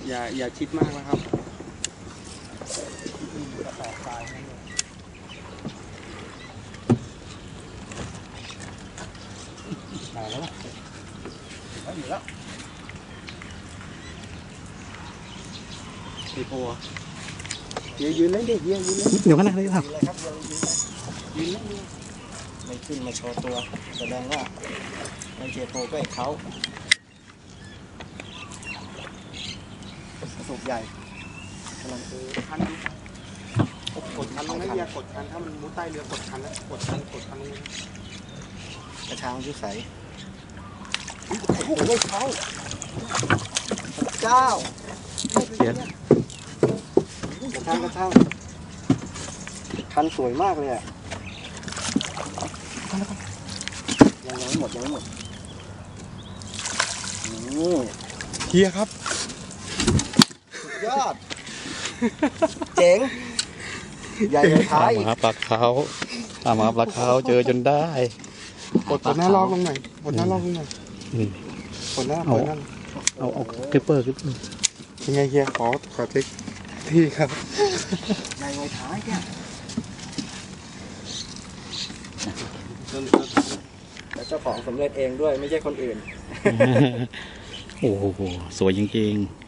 อย่าชิดมากนะครับมาแล้วล่ะอยู่แล้วไอโพยืนเล่นเด็กยืนเล่นเดี๋ยวกันนะเลยครับยืนเลยครับยืนเล่นไม่ขึ้นมาโชว์ตัวแสดงว่าไม่เจโพก็ไอเขาสูบใหญ่กำลังคันกดคันลงให้เรียกดคันถ้ามันมุดใต้เรือกดคันแล้วกดคันลงกระชังยุใสโอ้โหเขาเจ้าเขียนกระชังคันสวยมากเลยอ่ะยังไม่หมดนี่เฮียครับสุดยอดเจ๋งใหญ่เลยท้ายมาปลาเขามาปลาเขาเจอจนได้กดหน้าลอกลงหน่อยกดหน้าลอกลงหน่อยกดหน้าเอาคลิปเปอร์ยังไงเฮียขอเทคที่ครับใหญ่เลยท้ายแกแล้วเจ้าของสำเร็จเองด้วยไม่ใช่คนอื่นโอ้โหสวยจริงๆ